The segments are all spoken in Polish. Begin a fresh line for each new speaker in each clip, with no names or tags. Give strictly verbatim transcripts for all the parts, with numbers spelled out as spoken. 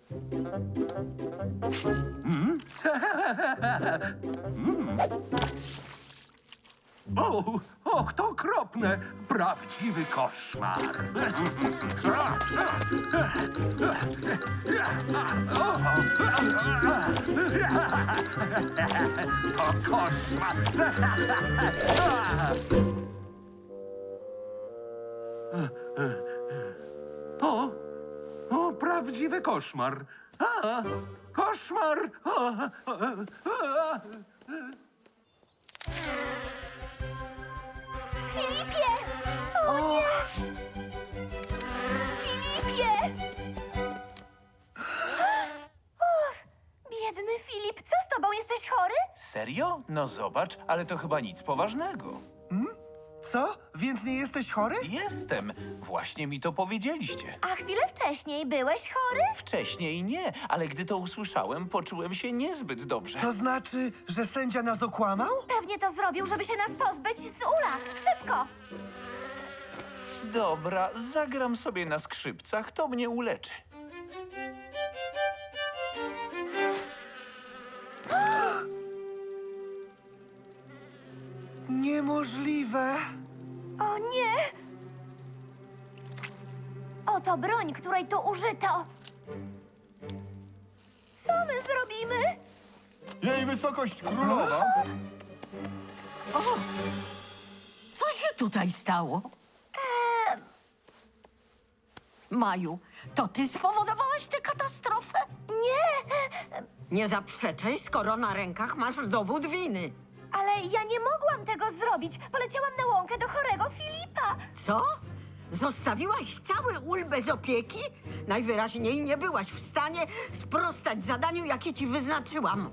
Mm. mm. O, och, to okropne. Prawdziwy koszmar. To koszmar. O, o, prawdziwy koszmar. A, koszmar. O, o, o.
Filipie! O nie! Filipie! Uff, biedny Filip, co z tobą? Jesteś chory?
Serio? No zobacz, ale to chyba nic poważnego.
Co? Więc nie jesteś chory?
Jestem. Właśnie mi to powiedzieliście.
A chwilę wcześniej byłeś chory?
Wcześniej nie, ale gdy to usłyszałem, poczułem się niezbyt dobrze.
To znaczy, że sędzia nas okłamał?
Pewnie to zrobił, żeby się nas pozbyć z ula. Szybko!
Dobra, zagram sobie na skrzypcach, to mnie uleczy.
Niemożliwe.
O nie! Oto broń, której tu użyto. Co my zrobimy?
Jej wysokość królowa.
Co się tutaj stało? Maju, to ty spowodowałaś tę katastrofę?
Nie,
Nie zaprzeczaj, skoro na rękach masz dowód winy.
ale ja nie mogłam tego zrobić. Poleciałam na łąkę do chorego Filipa.
Co? Zostawiłaś cały ul bez opieki? Najwyraźniej nie byłaś w stanie sprostać zadaniu, jakie ci wyznaczyłam.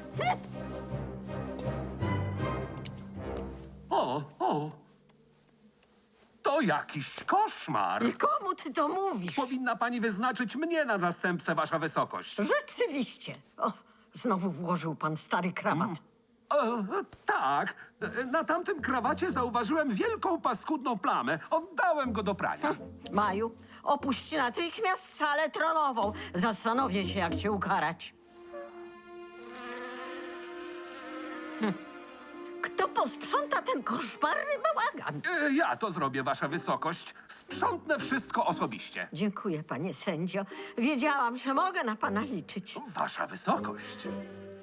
O, o. To jakiś koszmar.
I komu ty to mówisz?
Powinna pani wyznaczyć mnie na zastępcę, wasza wysokość.
Rzeczywiście. O, znowu włożył pan stary krawat.
E, tak, na tamtym krawacie zauważyłem wielką paskudną plamę. Oddałem go do prania.
Maju, opuść natychmiast salę tronową. Zastanowię się, jak cię ukarać. Hm. Kto posprząta ten koszmarny bałagan?
E, ja to zrobię, wasza wysokość. Sprzątnę wszystko osobiście.
Dziękuję, panie sędzio. Wiedziałam, że mogę na pana liczyć.
Wasza wysokość.